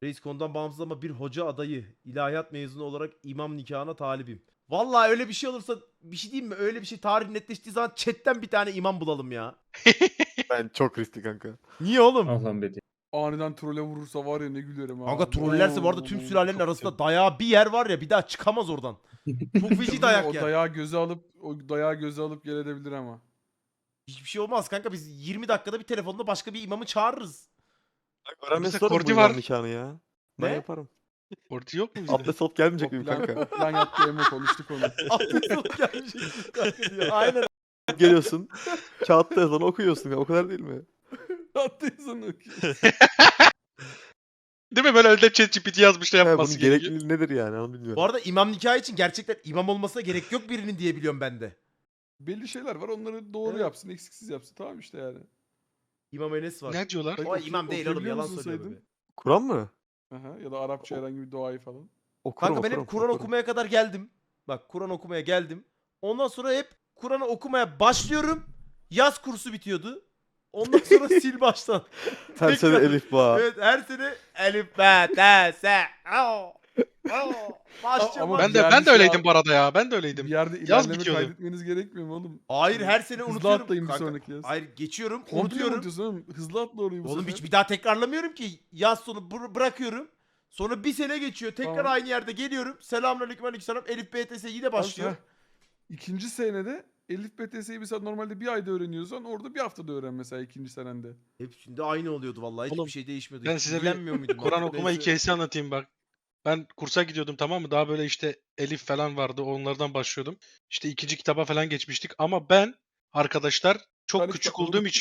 Reis konudan bağımsız ama bir hoca adayı ilahiyat mezunu olarak imam nikahına talibim. Vallahi öyle bir şey olursa bir şey diyeyim mi? Öyle bir şey tarih netleştiği zaman chatten bir tane imam bulalım ya. Ben çok riskli kanka. Niye oğlum? Ah lan Bedi. Aniden trole vurursa var ya ne gülerim ha. Kanka trollerse bu arada tüm sülalenin arasında dayağı bir yer var ya bir daha çıkamaz oradan. Çok feci dayak O ya. dayağı göze alıp gel edebilir ama. Hiçbir şey olmaz kanka biz 20 dakikada bir telefonda başka bir imamı çağırırız. Öğrenmesi Bizde sorun bu kordi imam var. nikahını ya. Ne? Ben yaparım. Kordi yok mu bizde? Abdest alıp gelmeyecek miyim kanka? O plan yattı Emo konuştuk onu. Abdest alıp gelmeyeceksin kanka diyor. Aynen. Geliyorsun. Kağıtta yazanı okuyorsun ya. O kadar değil mi? Yattıysan okey. Değil mi? Böyle önde ChatGPT yazmış da He, bunun yapması gerekiyor. gerekliliği nedir yani onu bilmiyorum. Bu arada imam nikahı için gerçekten imam olmasına gerek yok birinin diye biliyorum ben de. Belli şeyler var onları doğru Evet. yapsın eksiksiz yapsın tamam işte yani. İmam Enes var. Ne diyorlar? Peki, O imam değil oğlum okuyabiliyor yalan musun söylüyor Saydın? be. Kur'an mı? Aha, ya da Arapça herhangi bir duayı falan. Okurum, Kanka ben hep Kur'an okumaya kadar geldim. Bak Kur'an okumaya geldim. Ondan sonra hep Kur'an'ı okumaya başlıyorum. Yaz kursu bitiyordu. Ondan sonra sil baştan. Her sene Tekrar. elif ba. Evet her sene elif be te se ao ao başlayacağım. Ama Ben diğer de bir şey öyleydim al- bu arada ya. Ben de Bir öyleydim. yerde Yaz ilerleme bitiyordu. kaydetmeniz gerekmiyor mu oğlum? Hayır her sene Hızlı unutuyorum. atlayın bir Kanka, sonraki yaz. hayır geçiyorum Komple mi unutuyorum. unutuyorsun oğlum? Hızlı atla orayı bu Oğlum sefer. hiç bir daha tekrarlamıyorum ki. Yaz sonu bırakıyorum. Sonra bir sene geçiyor. Tekrar Tamam. aynı yerde geliyorum. Selamünaleyküm aleykümselam. Elif BTS yine başlıyor. Heh. İkinci senede Elif BTS'yi mesela normalde bir ayda öğreniyorsan orada bir haftada öğren mesela ikinci senende. Hepsinde aynı oluyordu vallahi. Hiçbir Oğlum, şey değişmiyordu. ben Hiç size bir ilgilenmiyor muydum? Kur'an Artık okuma neyse. hikayesi anlatayım bak. Ben kursa gidiyordum tamam mı? Daha böyle işte Elif falan vardı. Onlardan başlıyordum. İşte ikinci kitaba falan geçmiştik. Ama ben arkadaşlar çok Tarih küçük kitapları olduğum mı?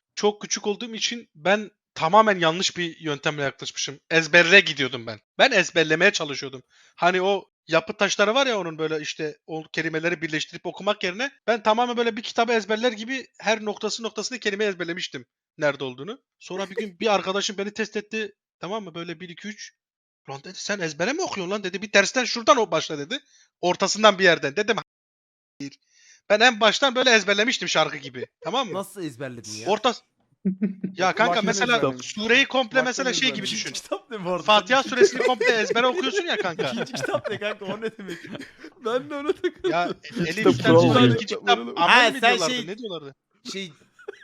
için ben tamamen yanlış bir yöntemle yaklaşmışım. Ezberle gidiyordum ben. Ben ezberlemeye çalışıyordum. Hani o yapı taşları var ya onun böyle işte o kelimeleri birleştirip okumak yerine ben tamamen böyle bir kitabı ezberler gibi her noktasını kelime ezberlemiştim nerede olduğunu. Sonra bir gün bir arkadaşım beni test etti. Tamam mı? Böyle 1 2 3. Ulan dedi sen ezbere mi okuyorsun lan dedi. Bir tersten şuradan o başla dedi. Ortasından bir yerden. Dedim hayır. Ben en baştan böyle ezberlemiştim şarkı gibi. Tamam mı? Nasıl ezberledin ya? Orta ya kanka Kulaktan mesela ezberlemiş. sureyi komple Kulaktan mesela şey gibi ezberlemiş. düşün. kitap ne bu arada? Fatiha Sen suresini komple ezbere okuyorsun ya kanka. İkinci kitap ne kanka o ne demek? Ben de ona takıldım. Ya Elif Kitap kitap kural oluyor. ikinci kitap Ha, amel mi sen diyorlardı? şey- Ne diyorlardı? Şey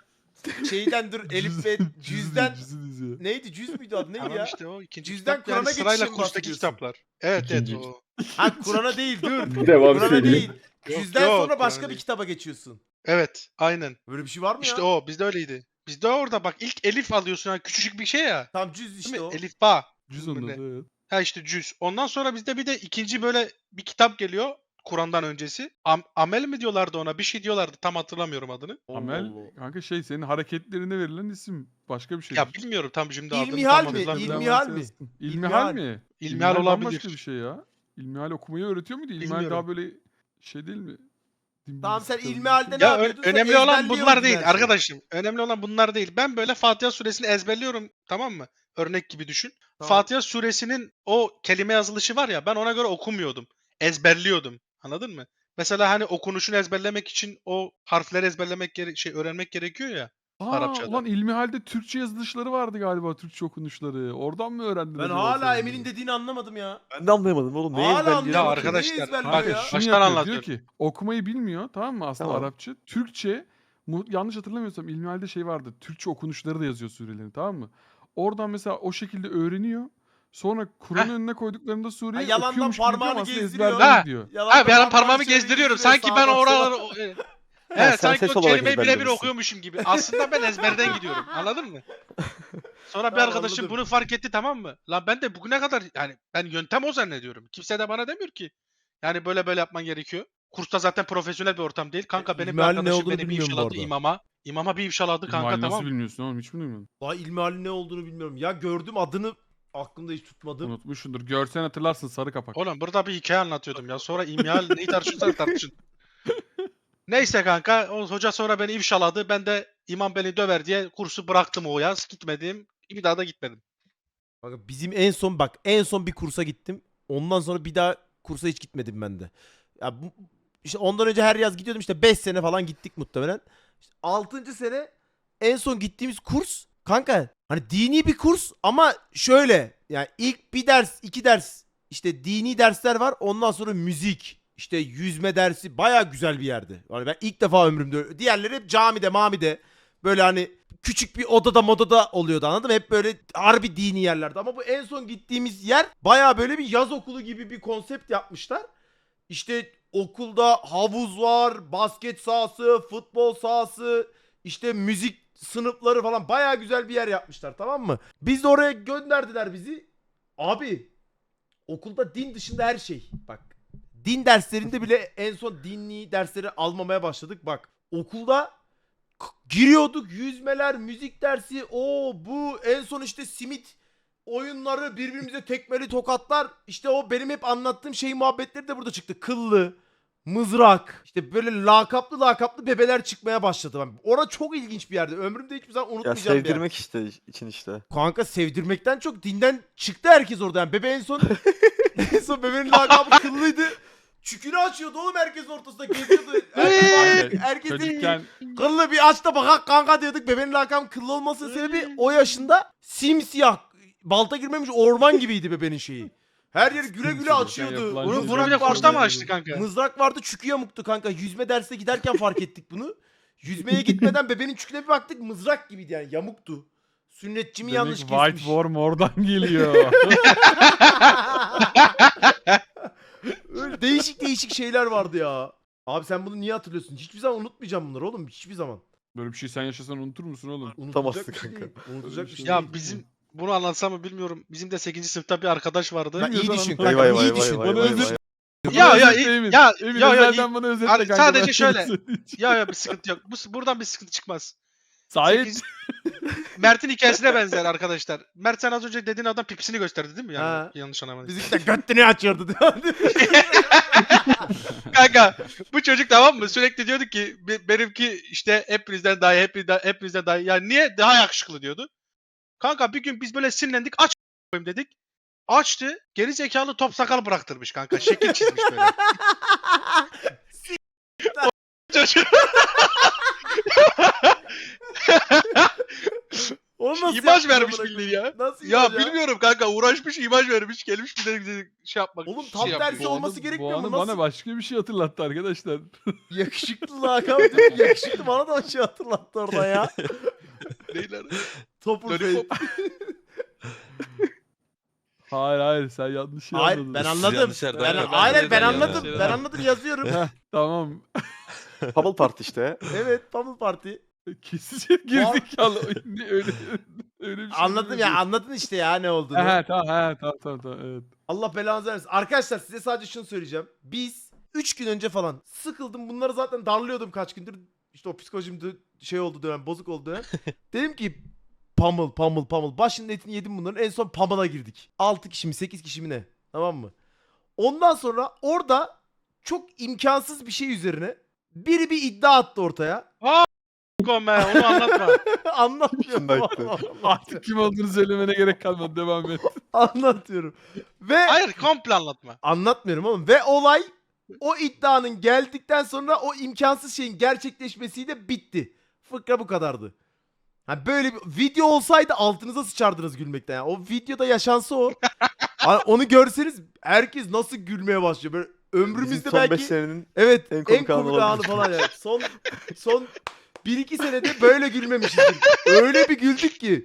şeyden dur Elif ve cüzden Cüzü diziyor. neydi cüz müydü adı neydi Tamam ya? işte o ikinci Cüzden kitap yani Kur'an'a sırayla geçişin kurstaki bahsediyorsun. kitaplar. Evet İkinci. evet o. Ha Kur'an'a değil dur. Devam Kur'an'a söyleyeyim. değil. Yok, Cüzden yok, sonra Kur'an'a başka bir değil. kitaba geçiyorsun. Evet aynen. Böyle bir şey var mı İşte ya? o bizde öyleydi. Bizde orada bak ilk elif alıyorsun yani küçücük bir şey ya. Tam cüz Değil işte mi? o. Elif ba. Cüz onun Ne? adı evet. Ha işte cüz. Ondan sonra bizde bir de ikinci böyle bir kitap geliyor Kur'an'dan öncesi. Amel mi diyorlardı ona? Bir şey diyorlardı. Tam hatırlamıyorum adını. Allah Amel Allah. kanka şey senin hareketlerine verilen isim. Başka bir şey. Ya bilmiyorum tam şimdi adını İlmihal tam mi? hatırlamıyorum. İlmihal mi? İlmihal mi? İlmihal bambaşka olabilir. bir şey ya. İlmihal okumayı öğretiyor muydu? İlmihal Bilmiyorum. daha böyle şey değil mi? Din Tamam bilgisi sen kitabı gibi ilmihalde bir ne şey. Ya yapıyordun? Sen önemli olan ezberliyordun bunlar değil her şeyi. arkadaşım. Önemli olan bunlar değil. Ben böyle Fatiha suresini ezberliyorum tamam mı? Örnek gibi düşün. Tamam. Fatiha suresinin o kelime yazılışı var ya ben ona göre okumuyordum. Ezberliyordum. Anladın mı? Mesela hani okunuşunu ezberlemek için o harfleri ezberlemek öğrenmek gerekiyor ya Arapçada. Ulan İlmihal'de Türkçe yazılışları vardı galiba, Türkçe okunuşları. Oradan mı öğrendin Ben acaba hala sen Emin'in bunları? dediğini anlamadım ya. Ben de anlayamadım oğlum. Neyi Hala ezberliyor? anlayamadım. Ya Neyi arkadaşlar, ezberliyor bak, ya? Kanka şunu baştan yapıyor, anlatıyorum. diyor ki okumayı bilmiyor tamam mı aslında Tamam. Arapça. Türkçe yanlış hatırlamıyorsam İlmihal'de şey vardı. Türkçe okunuşları da yazıyor surelerin tamam mı? Oradan mesela o şekilde öğreniyor. Sonra Kur'an'ın Heh. önüne koyduklarında sureyi Ha, yalandan okuyormuş gibi yapıyor parmağını ama aslında gezdiriyor. ezberliyor Ha. diyor. Ha bir an parmağımı çeviriyor, gezdiriyorum. yürüyor, Sanki ben sağdan oraları sola. evet sen sanki ses o olarak kelimeyi birebir ezberlemişsin. okuyormuşum gibi. Aslında ben ezberden gidiyorum. Anladın mı? Sonra bir Tamam, arkadaşım anladım. bunu fark etti tamam mı? Lan ben de bugüne kadar yani ben yöntem o zannediyorum. Kimse de bana demiyor ki. Yani böyle yapman gerekiyor. Kursta zaten profesyonel bir ortam değil. Kanka benim bir İlmihalin ne arkadaşım olduğunu beni bir bilmiyorum bu ifşaladı arada. imama. İmama bir ifşaladı kanka İlmihal nasıl tamam mı? bilmiyorsun oğlum hiç mi duymadın? Daha ilmihalin ne olduğunu bilmiyorum. Ya gördüm adını aklımda hiç tutmadım. Unutmuşsundur. Görsen hatırlarsın sarı kapak. Oğlum burada bir hikaye anlatıyordum ya. Sonra imhal neyi tartışırsan tartışın. Neyse kanka o hoca sonra beni ifşaladı. Ben de imam beni döver diye kursu bıraktım o yaz. Gitmedim. Bir daha da gitmedim. Bak bizim en son bir kursa gittim. Ondan sonra bir daha kursa hiç gitmedim ben de. Ya işte ondan önce her yaz gidiyordum işte 5 sene falan gittik muhtemelen. İşte 6. sene en son gittiğimiz kurs kanka Hani dini bir kurs ama şöyle yani ilk bir ders, iki ders işte dini dersler var. Ondan sonra müzik, işte yüzme dersi bayağı güzel bir yerdi. Yani ben ilk defa ömrümde diğerleri hep camide, mamide böyle hani küçük bir odada modada oluyordu anladın mı? Hep böyle harbi dini yerlerde. Ama bu en son gittiğimiz yer bayağı böyle bir yaz okulu gibi bir konsept yapmışlar. İşte okulda havuz var, basket sahası, futbol sahası, işte müzik sınıfları falan bayağı güzel bir yer yapmışlar tamam mı? Biz de oraya gönderdiler bizi. Abi okulda din dışında her şey. Bak din derslerinde bile en son dinli dersleri almamaya başladık. Bak okulda giriyorduk yüzmeler, müzik dersi, o bu en son işte simit oyunları, birbirimize tekmeli tokatlar. İşte o benim hep anlattığım şey muhabbetleri de burada çıktı. Kıllı, mızrak, işte böyle lakaplı bebeler çıkmaya başladı. Orada çok ilginç bir yerdi. Ömrümde hiçbir zaman Ya unutmayacağım bir yer. sevdirmek işte için işte. Kanka sevdirmekten çok dinden çıktı herkes orada. Yani bebe en son en son bebenin lakabı kıllıydı. Çükünü açıyordu oğlum herkesin ortasında geziyordu. Herkes dedi ki, Çocukken kıllı bir aç da bakak kanka diyorduk. Bebenin lakabı kıllı olmasının sebebi o yaşında simsiyah balta girmemiş orman gibiydi bebenin şeyi. Her yeri güle güle açıyordu. yapılan Bunu, Mızrak bunu bir de vardı. kursta mı açtı kanka? Mızrak vardı çükü yamuktu kanka. Yüzme dersine giderken fark ettik bunu. Yüzmeye gitmeden bebenin çüküne bir baktık mızrak gibiydi yani yamuktu. Sünnetçimi demek yanlış White kesmiş. Worm oradan geliyor. Öyle değişik şeyler vardı ya. Abi sen bunu niye hatırlıyorsun? Hiçbir zaman unutmayacağım bunları oğlum. Hiçbir zaman. Böyle bir şey sen yaşasan unutur musun oğlum? Unutulacak bir şey kanka. değil. Unutulacak bir şey Ya değil. bizim bunu anlatsam mı bilmiyorum. Bizim de 8. sınıfta bir arkadaş vardı. Ya iyi Bilmiyorsan düşün anlat. kanka. Vay vay iyi vay düşün. vay Bana vay özür- vay. Ya, Bana ya, özetle Emin. ya, Emin ya, özelden bana özetle Abi, kanka. sadece ben şöyle. sana söyleyeceğim. Ya bir sıkıntı yok. Buradan bir sıkıntı çıkmaz. Sait. 8 Mert'in hikayesine benzer arkadaşlar. Mert sen az önce dediğin adam pipisini gösterdi değil mi? Yani Ha. yanlış anlamadım. Bizimki de göttünü açıyordu. Kanka bu çocuk tamam mı? Sürekli diyordu ki benimki işte hepinizden daha iyi, hepinizden daha iyi. Yani niye daha yakışıklı diyordu. Kanka bir gün biz böyle sinirlendik aç koyayım dedik. Açtı. Geri zekalı top sakal bıraktırmış kanka. Şekil çizmiş böyle. Çocuk. Onu nasıl İmaj yaptın vermiş amına bildiğin koyayım? ya. Nasıl Ya imaj bilmiyorum kanka uğraşmış imaj vermiş gelmiş bir de şey yapmak. Oğlum şey tam yapıyor. tersi Bu olması anı- gerekmiyor bu mu? anı Nasıl? bana başka bir şey hatırlattı arkadaşlar. Yakışıklı lakabı diyor ki yakışıklı bana da bir şey hatırlattı orada ya. Neyler? Topur Bey. Lollipop. Hayır sen yanlış şey Hayır anladın. ben Siz anladım. yanlış yerden Ben, geldiniz. hayır ben Yanlış anladım. yerden Ben geldiniz. anladım yazıyorum. Heh, tamam. Bubble Party işte. Evet Pamuk Parti. Kesici gerizekalı. öyle bir şey Anladım ya anladın işte ya ne olduğunu. Tamam evet. Allah belanızı versin. Arkadaşlar size sadece şunu söyleyeceğim. Biz 3 gün önce falan sıkıldım. Bunları zaten darlıyordum kaç gündür. İşte o psikolojim şey oldu dönem, bozuk oldu dönem. Dedim ki pamul. Başının etini yedim bunların. En son pamula girdik. 6 kişi mi 8 kişi mi ne? Tamam mı? Ondan sonra orada çok imkansız bir şey üzerine biri bir iddia attı ortaya. Be, onu anlatma. Anlatmıyorum. Şundaydı. Artık kim olduğunu söylemene gerek kalmadı. Devam et. Anlatıyorum. Ve Hayır komple anlatma. anlatmıyorum oğlum. Ve olay o iddianın geldikten sonra o imkansız şeyin gerçekleşmesiyle bitti. Fıkra bu kadardı. Ha böyle bir video olsaydı altınıza sıçardınız gülmekten. Yani. O videoda yaşansa o. Hani onu görseniz herkes nasıl gülmeye başlıyor. Böyle Bizim ömrümüzde son 5 belki senenin evet en en komik komik, anı anı olabilir. falan yani. Son 1-2 senede böyle gülmemişizdir. Öyle bir güldük ki.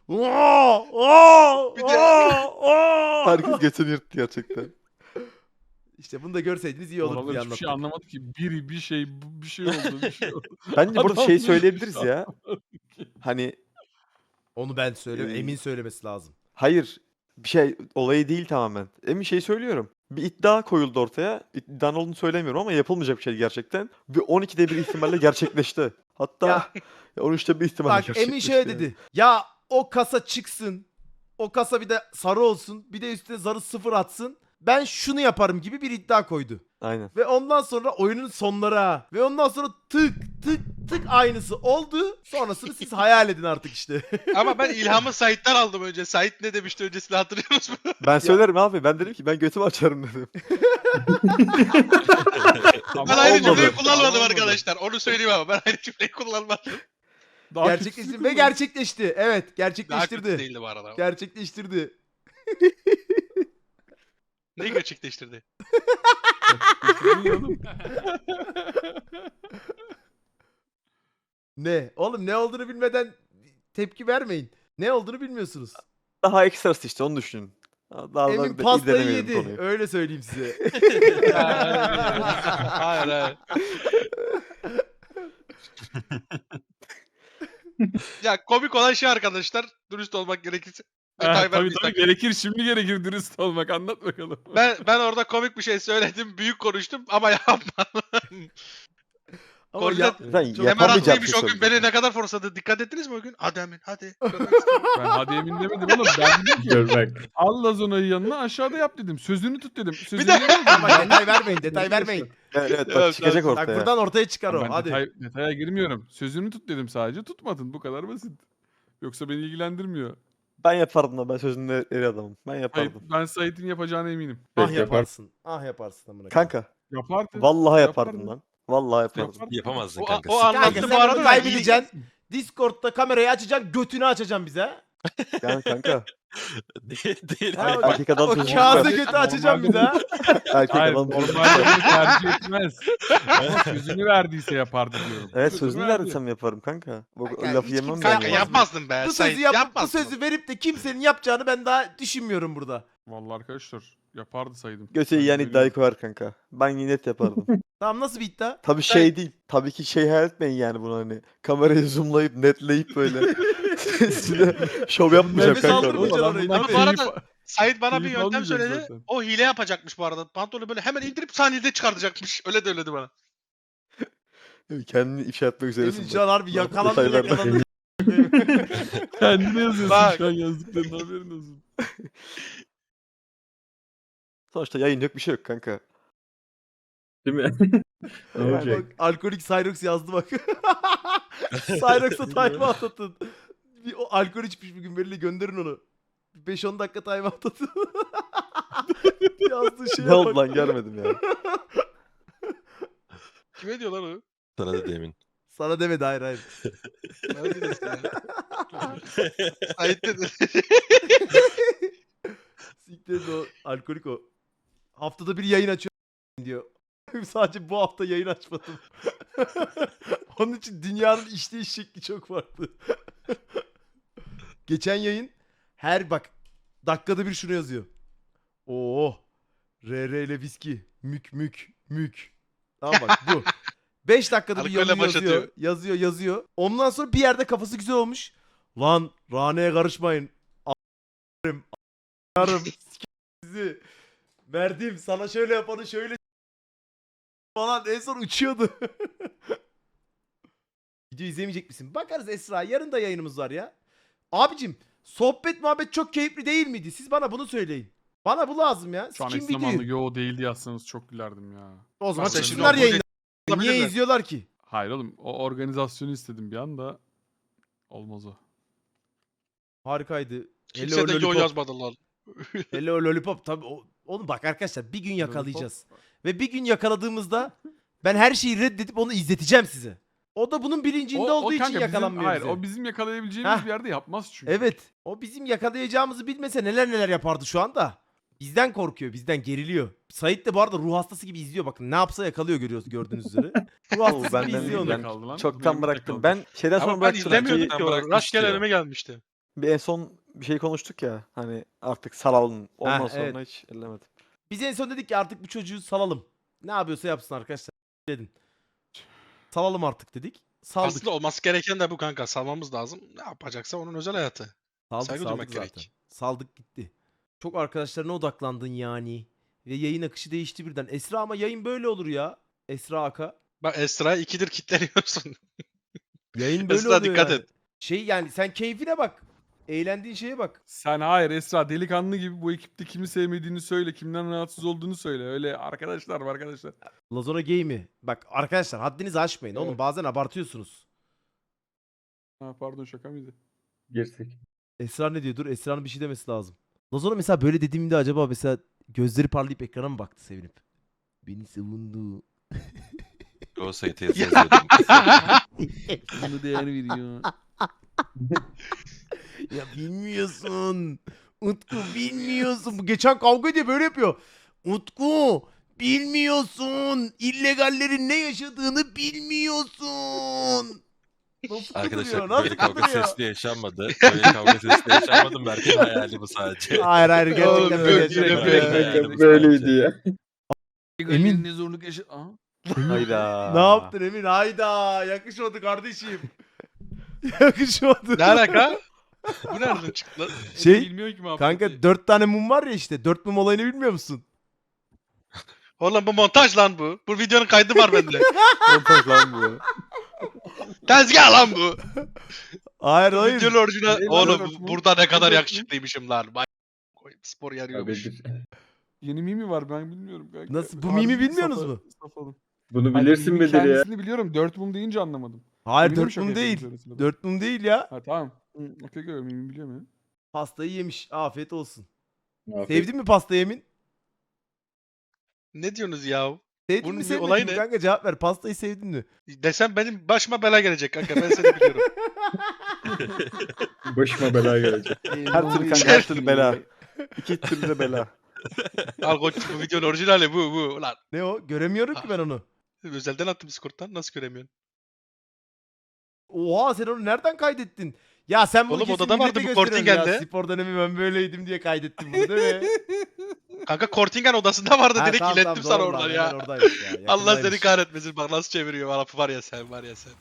Bir de- herkes götünü yırttı gerçekten. İşte bunu da görseydiniz iyi olurdu Oralar diye hiçbir şey anlattım. anlamadı ki. Bir şey oldu. Bence burada Adam şey hiçbir söyleyebiliriz şey ya. Hani Onu ben söyleyeyim. Ee, Emin söylemesi lazım. hayır bir şey olayı değil tamamen. Emin şey söylüyorum. Bir iddia koyuldu ortaya. İddianın olduğunu söylemiyorum ama yapılmayacak bir şey gerçekten. Bir 12'de bir ihtimalle gerçekleşti. Hatta Ya, 13'te bir ihtimalle Bak gerçekleşti. Emin şöyle dedi. Ya o kasa çıksın. O kasa bir de sarı olsun. Bir de üstüne zarı 0 atsın. Ben şunu yaparım gibi bir iddia koydu. Aynen. Ve ondan sonra oyunun sonları ha. Ve ondan sonra tık aynısı oldu. Sonrasını siz hayal edin artık işte. Ama ben ilhamı Sait'ten aldım önce. Sait ne demişti öncesini hatırlıyor musun? Ben söylerim abi. Ben dedim ki ben götümü açarım dedim. Ben aynı olmadı. cümleyi kullanmadım Olmadı. arkadaşlar. Onu söyleyeyim ama ben aynı cümleyi kullanmadım. Daha Gerçekleşti kötüsü ve mü? gerçekleşti. Evet, Daha kötü gerçekleştirdi. değildi bu arada. Gerçekleştirdi. Neyi gerçekleştirdi? Gerçekleştirdi ya oğlum. Ne? Oğlum ne olduğunu bilmeden tepki vermeyin. Ne olduğunu bilmiyorsunuz. Daha ekstrası işte onu düşünün. Daha Emin da pastayı irdelemeyelim yedi. konuyu. Öyle söyleyeyim size. Hayır hayır. Ya komik olan şey arkadaşlar, dürüst olmak gerekirse. Detay Tabii vermeyeceğim. gerekir. Şimdi gerekir dürüst olmak. Anlat bakalım. Ben orada komik bir şey söyledim, büyük konuştum ama yapmadım. Ama Koordinat- yap. Ben Çok- Emre yapamayacağım bir haklıymış şey o gün, söyleyeceğim. beni ne kadar forsadı. Dikkat ettiniz mi o gün? Hadi Emin hadi. Görmek istiyorum. Ben hadi emin demedim oğlum. Ben dedim ki Gör bak. al Lazona'yı yanına aşağıda yap dedim. Sözünü tut dedim. Sözünü de- yemedim. Ama detay vermeyin, detay vermeyin. Evet Evet, bak çıkacak evet. Bak ortaya. buradan ortaya çıkar o. Ben Hadi. detaya girmiyorum. Sözünü tut dedim sadece. Tutmadın. Bu kadar basit. Yoksa beni ilgilendirmiyor. Ben yapardım da ben sözünde eri adamım. Ben yapardım. Ben Sait'in yapacağına eminim. Ah Peki, yapar. yaparsın. Ah yaparsın amına koyayım. Kanka Yapardı. vallahi yapardım Yapardım. lan. Vallahi yapardım. Yapardı. Yapamazdın O, kanka. o Siktir. Kanka anlattı sen bu bunu arada da. kaybedeceksin. Discord'da kamerayı açacaksın, götünü açacaksın bize. Yani kanka Değil. Ha, erkek adam o sözünü kağıdı tutar. götü açacaksın bize. ha. Erkek Hayır adam sözünü normalde tutar. bunu tercih etmez. Ama sözünü verdiyse yapardı diyorum. Evet sözünü verdi. verdiysem yaparım kanka. Bu Kanka, lafı hiç yemem kimse ben. Kanka yani. yapmazdın be. Bu Sait, sözü bu yapmazdın. sözü verip de kimsenin yapacağını ben daha düşünmüyorum burada. Vallahi arkadaşlar yapardı saydım. Götü Ben yiyen söylüyorum. iddiayı koyar kanka. Ben yine net yapardım. Tamam nasıl bir iddia? Tabii şey değil. Tabii ki şey hayal etmeyin yani bunu hani. Kamerayı zoomlayıp netleyip böyle. Size şov yapmayacağım Nefes kanka. aldırmayacaksın orada. orayı. Ama Tabii. bu arada Sait bana bir keyif yöntem almayacak söyledi. zaten. O hile yapacakmış bu arada. Pantolonu böyle hemen indirip saniyede çıkartacakmış. Öyle de öyledi bana. Kendini ifşa etmek üzeresin. Emin bak. şu an harbi yakalandı Detaylar da- yakalandı. Kendine yazıyorsun Bak. şu an yazdıklarının haberin olsun. Sonuçta yayın yok bir şey yok kanka. Değil mi? Ne olacak? Bak, alkolik Cyrox yazdı bak. Cyrox'a timeout atın. Bir, o alkol içmiş bir gün belli gönderin onu. 5-10 dakika timeout atın. Yazdığı şeye Ne oldu bak. lan görmedim ya. Kime diyor lan o? Sana da demin. Sana demedi hayır hayır. Ne diyorsun ya? Sait dedi. Siktir et o alkolik o. Haftada bir yayın açıyor diyor. Sadece bu hafta yayın açmadım. Onun için dünyanın işleyiş şekli çok farklı. Geçen yayın her bak dakikada bir şunu yazıyor. Oo. RR ile viski. Mük mük mük. Tamam bak bu. 5 dakikada bir Alkolle yazıyor, başlatıyor. yazıyor. Ondan sonra bir yerde kafası güzel olmuş. Lan raneye karışmayın. A**arım. A**arım. Sizi. Verdim sana şöyle yapanı şöyle falan en son uçuyordu. Video izlemeyecek misin? Bakarız Esra. Yarın da yayınımız var ya. Abicim sohbet muhabbet çok keyifli değil miydi? Siz bana bunu söyleyin. Bana bu lazım ya. Şu an Kim eş zamanlı videoyu? yo değildi yazsanız çok gülerdim ya. O zaman Sen çıksınlar şimdi o yayına. Niye olabilirler. izliyorlar ki? Hayır oğlum o organizasyonu istedim bir anda. Olmaz o. Harikaydı. Kimse de yo Lollipop. yazmadı lan. Hello Lollipop. Tabii oğlum bak arkadaşlar bir gün yakalayacağız. Ve bir gün yakaladığımızda ben her şeyi reddedip onu izleteceğim size. O da bunun bilincinde olduğu için kanka yakalanmıyor hayır, bize. o bizim yakalayabileceğimiz Heh. bir yerde yapmaz çünkü. Evet. O bizim yakalayacağımızı bilmese neler neler yapardı şu anda. Bizden korkuyor, bizden geriliyor. Sait de bu arada ruh hastası gibi izliyor bakın. Ne yapsa yakalıyor görüyoruz gördüğünüz üzere. Ruh hastası ben gibi de- izliyor onu. ben Kaldı lan, çoktan benimle bıraktım. kaldı. Ben şeyden sonra Ama ben bıraktım. izlemiyordum Önceki- ki o. bırakmıştı Rastgele ya. önüme gelmişti. Bir en son bir şey konuştuk ya. Hani artık salalım. Ondan Ha, sonra evet. hiç ellemedim. Biz en son dedik ki artık bu çocuğu salalım. Ne yapıyorsa yapsın arkadaşlar. Dedin. Salalım artık dedik. Saldık. Aslında olması gereken de bu kanka. Salmamız lazım. Ne yapacaksa onun özel hayatı. Saldık saygı saldık duymak zaten. gerek. Saldık gitti. Çok arkadaşlarına odaklandın yani. Ve yayın akışı değişti birden. Esra ama yayın böyle olur ya. Esra Aka. Bak Esra'ya ikidir kitleniyorsun. Yayın böyle Esra oluyor dikkat yani. et. Şey yani sen keyfine bak. Eğlendiğin şeye bak. Sen hayır Esra delikanlı gibi bu ekipte kimi sevmediğini söyle. Kimden rahatsız olduğunu söyle. Öyle arkadaşlar var arkadaşlar. Lazona Game'i. Bak arkadaşlar haddinizi aşmayın. Oğlum Evet. bazen abartıyorsunuz. Ha, pardon şaka mıydı? Girsek. Esra ne diyor? Dur Esra'nın bir şey demesi lazım. Lazona mesela böyle dediğimde acaba mesela gözleri parlayıp ekrana mı baktı sevinip? Beni savundu. O sayıda yazıyordum. Bunu değer veriyor. Ya bilmiyorsun. Utku bilmiyorsun. Bu geçen kavga diye böyle yapıyor. Utku bilmiyorsun. İllegallerin ne yaşadığını bilmiyorsun. Nasıl Arkadaşlar kıvırıyor, nasıl böyle kavga kıvırıyor? sesli yaşanmadı. Böyle kavga sesli yaşanmadı. Berk'in hayali bu sadece. Hayır hayır gerçekten Oğlum, böyle. yok, gerçekten yok, böyle. yok. Yani bu Böyleydi sadece. ya. Emin. Ne zorluk yaşa... Aha. Hayda. Ne yaptın Emin? Hayda yakışmadı kardeşim. Yakışmadı. Ne alaka? Bu nereden çıktı lan? Şey, Bilmiyor ki muhabbeti. kanka 4 tane mum var ya işte. 4 mum olayını bilmiyor musun? Oğlum bu montaj lan bu. Bu videonun kaydı var bende. Montaj lan bu. Tezgah lan bu. Hayır Bu hayır. videonun orijinal. Ne lan Oğlum dört mu? burada ne kadar dört mu? yakışıklıymışım lan. Vay koyayım, spor yarıyormuş. Abidir. Yeni mimi var ben bilmiyorum kanka. Nasıl? Bu Harbi mimi bilmiyorsunuz safa- mu? safalım. Bunu Hayır, bilirsin mimi Bedir ya. kendisini biliyorum. 4 mum deyince anlamadım. Hayır Eminim 4 şaka mum yapıyorum değil. şöyle sırada. 4 mum değil ya. Ha tamam. Okey okey mimi biliyorum ya. Pastayı yemiş. Afiyet olsun. Afiyet. Sevdin mi pastayı Emin? Ne diyorsunuz ya? Sevdin Bunun mi bir sevmedin olayı mi ne? kanka cevap ver. Pastayı sevdin mi? Desem benim başıma bela gelecek kanka. Ben seni biliyorum. Başıma bela gelecek. Her türlü kanka her türlü bela. İki türlü de bela. Al koç bu videonun orijinali bu. Ulan Ne o? Göremiyorum ki ben onu. özelden attım Discord'dan. Nasıl göremiyorsun? Oha sen onu nereden kaydettin? Ya sen bunu Oğlum kesin odada vardı millete bu gösteriyorsun ya. Kortingen'de. Spor dönemi ben böyleydim diye kaydettim bunu değil mi? Kanka Kortingen odasında vardı. Ha, Direkt tamam, ilettim tamam, sana doğru oradan lan, ya. hemen oradaymış ya. Allah seni yakındaymış. kahretmesin. Bak nasıl çeviriyor. Lafı var ya sen var ya sen.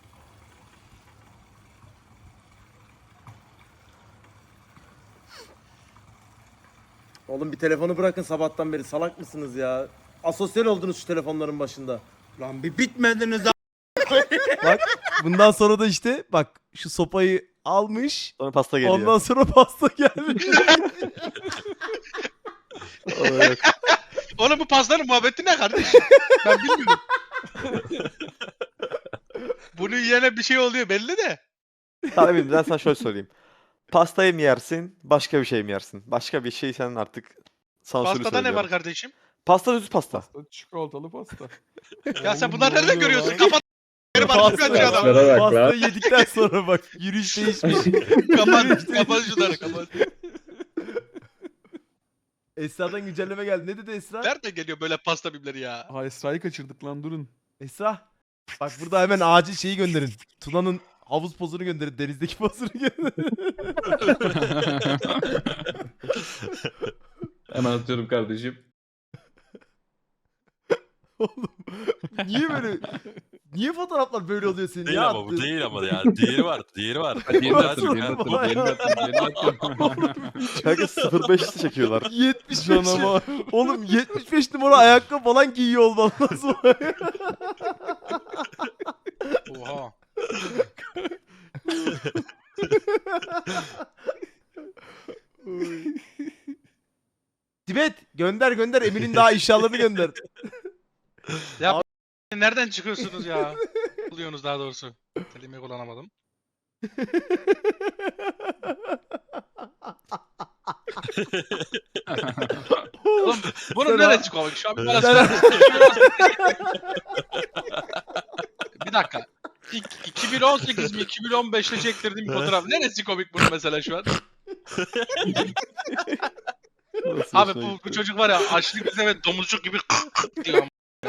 Oğlum bir telefonu bırakın sabahtan beri salak mısınız ya? Asosyal oldunuz şu telefonların başında. Lan bir bitmediniz Bak bundan sonra da işte bak şu sopayı almış. Sonra pasta geliyor. Ondan sonra pasta gelmiş. Evet. Oğlum bu pastanın muhabbeti ne kardeşim? Ben bilmiyorum. Bunu yiyene bir şey oluyor belli de. Tamam Emin ben sana şöyle söyleyeyim. Pastayı mı yersin, başka bir şey mi yersin? Başka bir şey sen artık sansürlü Pastada ne var söylüyorum. kardeşim? Pasta düz pasta. Pasta, çikolatalı pasta. Ya sen Oğlum, bunları ne nereden oluyor görüyorsun? lan? Kapat. Geri bak Pasta- şu adam. Pastaya bak Pastayı lan. yedikten sonra bak yürüyüş değişmiş. Kapat şunları kapat. Esra'dan güncelleme geldi. Ne dedi Esra? Nereden geliyor böyle pasta bibleri ya? Ha Esra'yı kaçırdık lan durun. Esra. Bak burada hemen acil şeyi gönderin. Tuna'nın havuz pozunu gönderin. Denizdeki pozunu gönderin. Hemen atıyorum kardeşim. Oğlum niye böyle niye fotoğraflar böyle oluyor senin Değil ya? ama bu attığın? değil ama ya. Diğeri var. Diğeri var. Diğerini Nasıl atın, diğerini atın, vay diğerini atın, diğerini atın. Kanka 05'li çekiyorlar. 75 canavar. Oğlum 75 numara ayakkabı falan giyiyor olman lazım. Oha. Tibet gönder gönder Emin'in daha inşallahını gönder. Ya nereden çıkıyorsunuz ya? Buluyorsunuz daha doğrusu. Kelimeyi kullanamadım. Oğlum bunun Sen- neresi komik? Şu an bir bana Sen- söyle. Bir dakika. 2018 mi 2015'te çektirdiğim bir fotoğraf. Neresi komik bunun mesela şu an? Nasıl Abi hoşuna bu gitti? çocuk var ya açlık bize ve domuzcuk gibi diyor.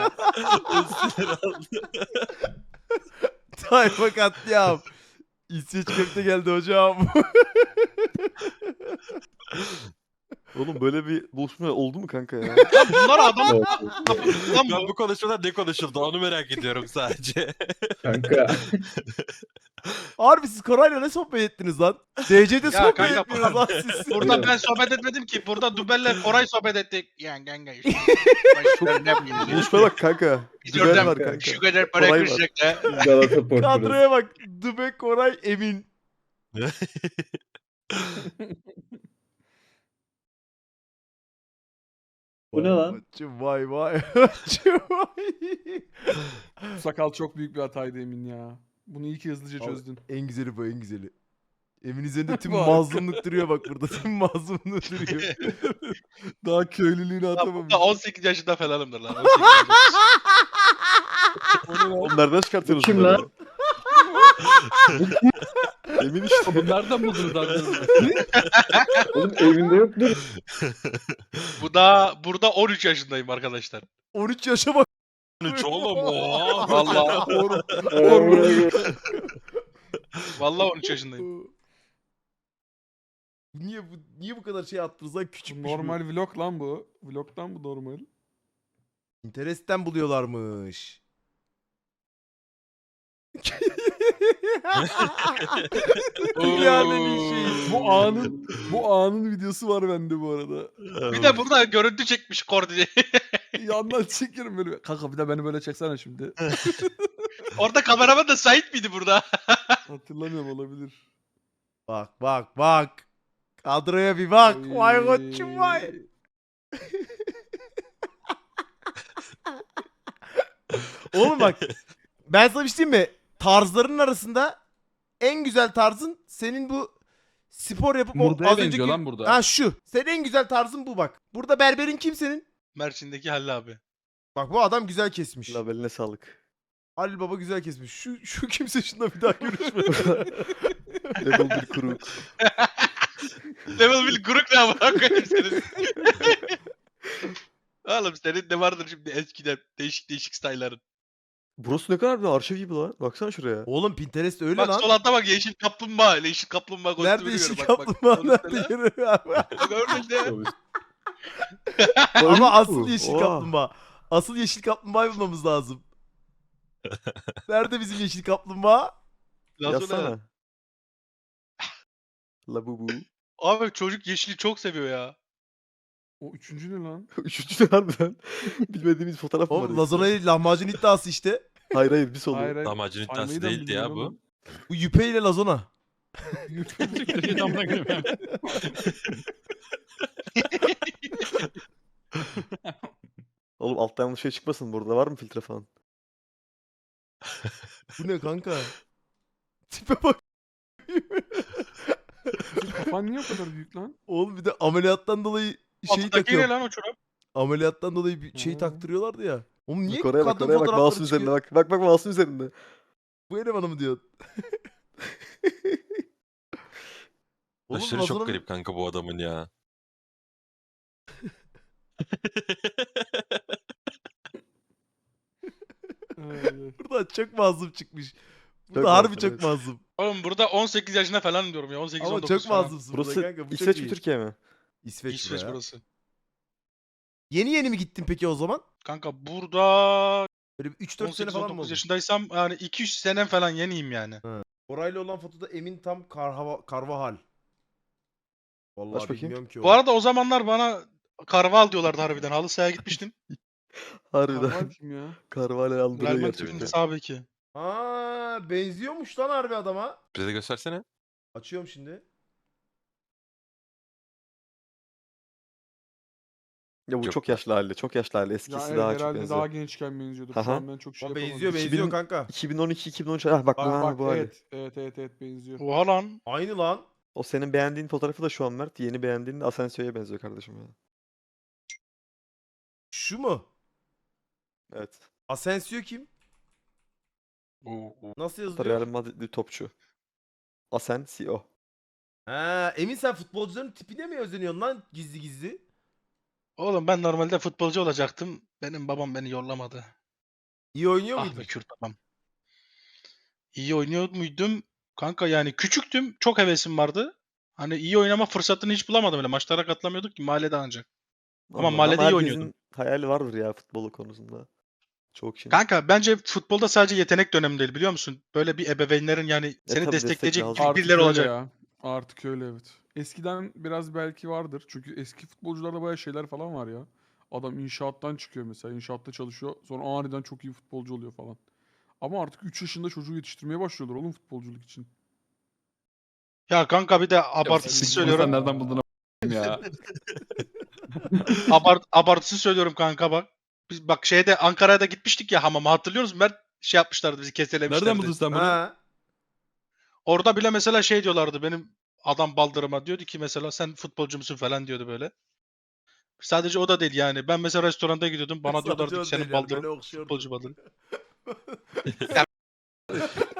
Tayfa katliam. İsveç köfte geldi hocam. Oğlum böyle bir buluşma oldu mu kanka ya? Lan bunlar adam Evet. lan Ben bu. bu konuşmadan ne konuşuldu onu merak ediyorum sadece. Kanka. Harbi siz Koray'la ne sohbet ettiniz lan? DC'de sohbet kanka, etmiyoruz lan siz. Burada ben sohbet etmedim ki. Burada Dubel'le Koray sohbet ettik. Yani kanka işte. Ne bileyim. Buluşmaya bak kanka. Biz Düben oradan var kanka. şu kadar para Koray var. kıracak da. Galata Portföy'ü. Kadroya bak. Dube, Koray, Emin. Bu ne lan? Açım vay vay. Açım vay. Sakal çok büyük bir hataydı Emin ya. Bunu iyi ki hızlıca Abi, çözdün. En güzeli bu en güzeli. Emin üzerinde tüm Bu arada. mazlumluk duruyor bak burada. Tüm mazlumluk duruyor. Daha köylülüğünü Lan atamamış. burada 18 yaşında falanımdır lan. 18 yaşında. Oğlum nereden çıkartıyorsunuz Kim bunları? lan? Emin işte. Bunu nereden buldunuz abi? Oğlum evinde yoktur. Bu da burada 13 yaşındayım arkadaşlar. 13 yaşa bak. 13 oğlum. Oha. Vallahi 13 yaşındayım. Niye bu kadar şey attınız lan, küçükmüş bu. Normal vlog lan bu. Vlog'tan bu normal. Pinterest'ten buluyorlarmış. Dünyanın şeyi. Bu anın videosu var bende bu arada. Bir de burada görüntü çekmiş koordine. Yandan çekerim böyle. Kanka bir de beni böyle çeksene şimdi. Orada kameraman da Sait miydi burada? Hatırlamıyorum, olabilir. Bak. Kadroya bir bak. Vay Oy. koçum vay. Oğlum bak. Ben sana bir şey diyeyim mi? Tarzların arasında en güzel tarzın senin bu spor yapıp Murda'ya az benziyor önceki... lan burada. Ha şu. Senin en güzel tarzın bu bak. Burada berberin kim senin? Mersin'deki Halil abi. Bak bu adam güzel kesmiş. Labeline sağlık. Halil Baba güzel kesmiş. Şu kimse şununla bir daha görüşme. Level 1 kuru. Level 1 guruk ne amına koyayım senin. Oğlum senin de vardır şimdi eskiden değişik style'ların. Burası ne kadar bir arşiv gibi lan. Baksana şuraya. Oğlum Pinterest öyle Bak lan. sol altta bak yeşil kaplumbağa. Yeşil kaplumbağa kostümünü Nerede gör, yeşil bak, kaplumbağa? bak. Nerede yürü abi? Bak orada işte. Ama asıl yeşil Oha. kaplumbağa. Asıl yeşil kaplumbağayı bulmamız lazım. Nerede bizim yeşil kaplumbağa? Lazona. Yazsana. Labubu. Abi çocuk yeşili çok seviyor ya. O üçüncü ne lan? Üçüncü de harbiden. Bilmediğimiz fotoğraf mı var? Oğlum Lazana'yı lahmacun iddiası işte. Hayır bir solu. Hayır hayır. Damacın Saymayı iddiası da değildi ya bilmiyorum bu. Bu Yüpe ile Lazona. Oğlum alttan yanlış şey çıkmasın, burada var mı filtre falan? Bu ne kanka? Tipe bak. Kafan niye o kadar büyük lan? Oğlum bir de ameliyattan dolayı şeyi Alttaki ne takıyor. lan o çorap? Ameliyattan dolayı bir şey Ha. taktırıyorlardı ya. Oğlum niye Bak oraya bak, kadın oraya bak, fotoğrafları mouse'un çıkıyor? üzerinde bak. Bak mouse'un üzerinde. Bu elemanı mı diyorsun? Oğlum Aşırı Lazana'nın- çok garip kanka bu adamın ya. Buradan çok mazlum çıkmış. Burada Çok harbi mazlum, çok evet. mazlum. Oğlum burada 18 yaşında falan diyorum ya. 18-19 Ama çok falan. mazlumsun burada Burası kanka. Bu çok İsveç iyi. mi Türkiye mi? İsveç, İsveç buraya. burası. Yeni mi gittin peki o zaman? Kanka burada Böyle bir 3-4 sene falan mı 18-19 oldu? yaşındaysam yani 2-3 senem falan yeniyim yani. Orayla olan fotoda Emin tam Karvahal. Vallahi Aç bakayım. bilmiyorum ki o. Bu arada o zamanlar bana karval diyorlardı harbiden. Halı sahaya gitmiştim. Harbiden. Karval kim ya? Carvalho andırıyor Real gerçekten. Madrid'in sağ beki. Ha, benziyormuş lan harbi adama. Bize de göstersene. Açıyorum şimdi. Ya bu Yok. çok yaşlı hali. Çok yaşlı hali. Ya Eskisi evet, daha çok herhalde benziyor. daha gençken benziyordur. Şu Aha. an ben çok şey Ama yapamadım. benziyor 2000 kanka. 2012-2013. Ah bak, Bak bu hali. evet benziyor. Oha lan. Aynı lan. O senin beğendiğin fotoğrafı da şu an Mert. Yeni beğendiğin de Asensio'ya benziyor kardeşim ya. Şu mu? Evet. Asensio kim? Nasıl yazılıyor? Real Madrid'li topçu. Asensio. Ha, Emin sen futbolcuların tipine mi özeniyorsun lan gizli gizli? Oğlum ben normalde futbolcu olacaktım. Benim babam beni yollamadı. İyi oynuyor Ah muydun? be Kürt babam. İyi oynuyor muydum? Kanka yani küçüktüm. Çok hevesim vardı. Hani iyi oynama fırsatını hiç bulamadım öyle. Maçlara katılamıyorduk ki mahallede ancak. Ama mahallede iyi herkesin oynuyordum. hayali vardır ya futbolu konusunda. Çok şey. Kanka bence futbolda sadece yetenek dönemi değil biliyor musun? Böyle bir ebeveynlerin yani seni tabii destek destekleyecek lazım. Artık birileri öyle olacak. ya. Artık öyle evet. Eskiden biraz belki vardır. Çünkü eski futbolcularda bayağı şeyler falan var ya. Adam inşaattan çıkıyor mesela. İnşaatta çalışıyor. Sonra aniden çok iyi futbolcu oluyor falan. Ama artık 3 yaşında çocuğu yetiştirmeye başlıyorlar oğlum futbolculuk için. Ya kanka bir de abartısız söylüyorum. nereden buldun ya? Abartısız söylüyorum kanka bak. Biz bak şeyde Ankara'ya da gitmiştik ya hamama hatırlıyor musun? Mert şey yapmışlardı bizi keselemişlerdi. sen Ha. Orada bile mesela şey diyorlardı benim adam baldırıma diyordu ki mesela sen futbolcu musun falan diyordu böyle. Sadece o da değil yani. Ben mesela restoranda gidiyordum. Bana diyorlardı ki Sadece o senin değil yani, baldırın böyle okşuyordu. futbolcu baldırın.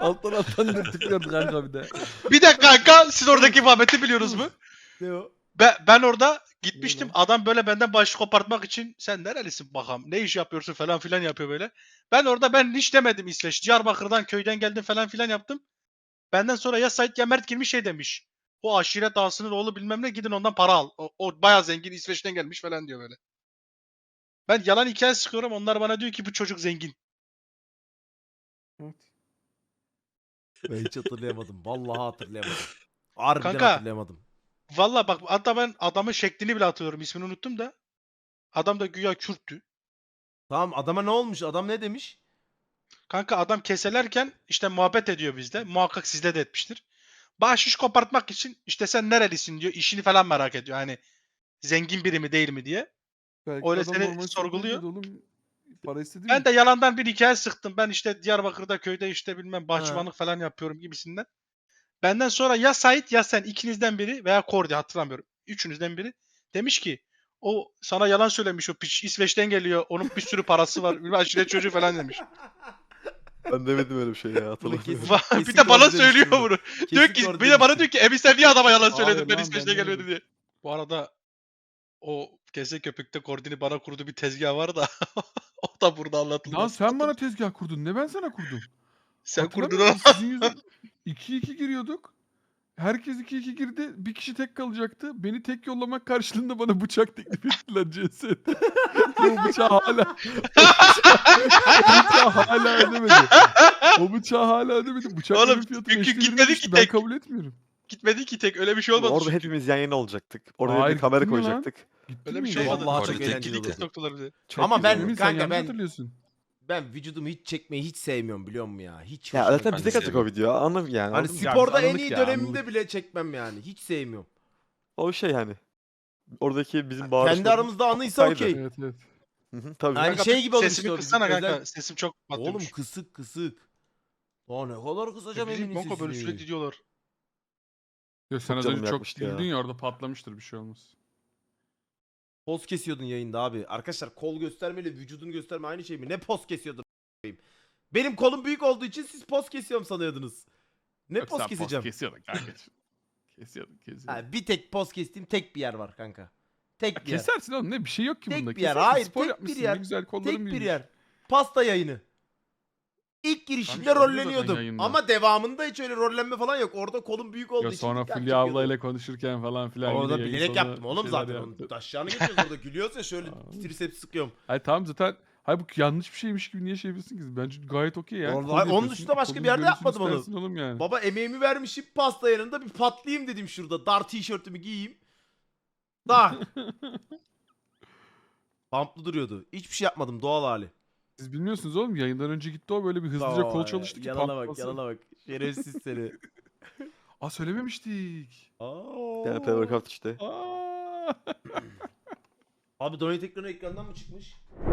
Alttan dürtüklüyordu kanka bir de. Bir de kanka siz oradaki muhabbeti biliyorsunuz mu? Ne o? Ben orada gitmiştim. lan? Adam böyle benden başı kopartmak için sen nerelisin bakalım ne iş yapıyorsun falan filan yapıyor böyle. Ben hiç demedim İsveç. Diyarbakır'dan köyden geldim falan filan yaptım. Benden sonra ya Sait ya Mert girmiş şey demiş. O aşiret ağasının oğlu bilmem ne gidin ondan para al. O bayağı zengin İsveç'ten gelmiş falan diyor böyle. Ben yalan hikaye sıkıyorum. Onlar bana diyor ki bu çocuk zengin. Evet. Ben hiç hatırlayamadım. Vallahi hatırlayamadım. Harbiden Kanka. hatırlayamadım. Valla bak hatta ben adamın şeklini bile hatırlıyorum. İsmini unuttum da. Adam da güya Kürttü. Tamam adama ne olmuş? Adam ne demiş? Kanka adam keselerken işte muhabbet ediyor bizde. Muhakkak sizde de etmiştir. Bahşiş kopartmak için işte sen nerelisin diyor. İşini falan merak ediyor. Hani zengin biri mi değil mi diye. Belki Öyle adam seni normal sorguluyor. sorguluyordu oğlum. Para istedi Ben mi? de yalandan bir hikaye sıktım. Ben işte Diyarbakır'da köyde işte bilmem bahçıvanlık falan yapıyorum gibisinden. Benden sonra ya Sait ya sen ikinizden biri veya Kordi hatırlamıyorum. Üçünüzden biri demiş ki o sana yalan söylemiş o piç İsveç'ten geliyor. Onun bir sürü parası var. Bir aşiret çocuğu falan demiş. Ben demedim öyle bir şey ya Bunu hatırlamıyorum. kesin- Bir de bana Kordi söylüyor demiştir bunu. Kesin Diyor ki Kordi bir de bana demiştir. diyor ki Ebi sen niye adama yalan Hayır söyledin ben lan, İsveç'ten ben geliyordu demedim. diye. Bu arada o kese köpükte Kordi'ni bana kurduğu bir tezgah var da o da burada anlatılmaz. Lan sen bana tezgah kurdun. Ne ben sana kurdum? Sen kurdun Hatırlamıyor ama. musun? Sizin yüzün 2-2 giriyorduk. Herkes 2-2 girdi. Bir kişi tek kalacaktı. Beni tek yollamak karşılığında bana bıçak teklif ettiler CS'de. O bıçağı hala ödemedi. O bıçağı hala ödemedi. Bıçakların Oğlum, fiyatı çünkü 5'te birine gitmedi düştü. ki Ben tek. kabul etmiyorum. Gitmedi ki tek öyle bir şey olmadı. Orada çünkü. hepimiz yan yana olacaktık. Oraya Hayır, bir kamera gittin mi lan? koyacaktık. Gittin Öyle mi bir şey hiç? olmadı. Vallahi Kordi çok tek eğlenceli gitti. oldu. Soktular bizi. Ama ben Emin, sen kanka yanlış ben hatırlıyorsun. vücudumu hiç çekmeyi hiç sevmiyorum biliyor musun ya? Hiç Ya hoşuma zaten Ben bize de kattık o sevmiyorum. video. Anladın yani. Hani anladın mı? Ya sporda biz en anladık iyi ya, dönemimde anladık. bile çekmem yani. Hiç sevmiyorum. O şey hani. Oradaki bizim Kendi bağırışlarımız aramızda anıysa saydı. okey. Evet evet. Hı hı, tabii. Yani Kanka, şey gibi olmuştu sesimi o kıssana bizim kanka. özel- Sesim çok Oğlum batıyormuş. kısık kısık. Aa ne kadar kısacağım Bizim Emin'in Bonko böyle sesini. sürekli diyorlar. Ya sen az canım önce çok yakmıştı ya. güldün ya orada patlamıştır bir şey olmaz. Poz kesiyordun yayında abi. Arkadaşlar kol göstermeyle vücudunu gösterme aynı şey mi? Ne poz kesiyordun a**ayım? Benim kolum büyük olduğu için siz poz kesiyorum sanıyordunuz. Ne Yok, poz sen keseceğim? kesiyordun kanka. Kesiyordun. Ha, bir tek poz kestiğim tek bir yer var kanka. Tek bir yer. Kesersin oğlum ne bir şey yok ki Tek bunda. bir yer. Kesersin, Hayır, spor tek bir yapmışsın, yer. Ne güzel kolların Tek bir büyümüş. yer. Pasta yayını. İlk girişimde Kanka, oluyor zaten rolleniyordum. yayında. Ama devamında hiç öyle rollenme falan yok. Orada kolum büyük olduğu Ya için. sonra dikkat Fulya çekiyordum. ablayla konuşurken falan filan. Orada yine yayın bilerek sonu yaptım bir oğlum şeyler zaten. yaptı. Onun taşlarını geçiyoruz orada. Gülüyoruz ya şöyle triceps sıkıyorum. Hayır tamam zaten. Hayır bu yanlış bir şeymiş gibi niye şey yapıyorsun ki? Bence gayet okey ya. Vallahi Kol onun yapıyorsun, dışında başka kolun bir yerde görüntüsünü yapmadım onu. istersin Oğlum yani. Baba emeğimi vermişim pasta yanında bir patlayayım dedim şurada. Dar tişörtümü giyeyim. Tak. Pamplı duruyordu. Hiçbir şey yapmadım doğal hali. Siz bilmiyorsunuz oğlum yayından önce gitti o böyle bir hızlıca kol Aa, çalıştı ki Yalana bak patlamasın. yalana bak. Şerefsiz seni. Aa söylememiştik. Yani pre-workout işte. Aa. Abi donate ekranı ekrandan mı çıkmış?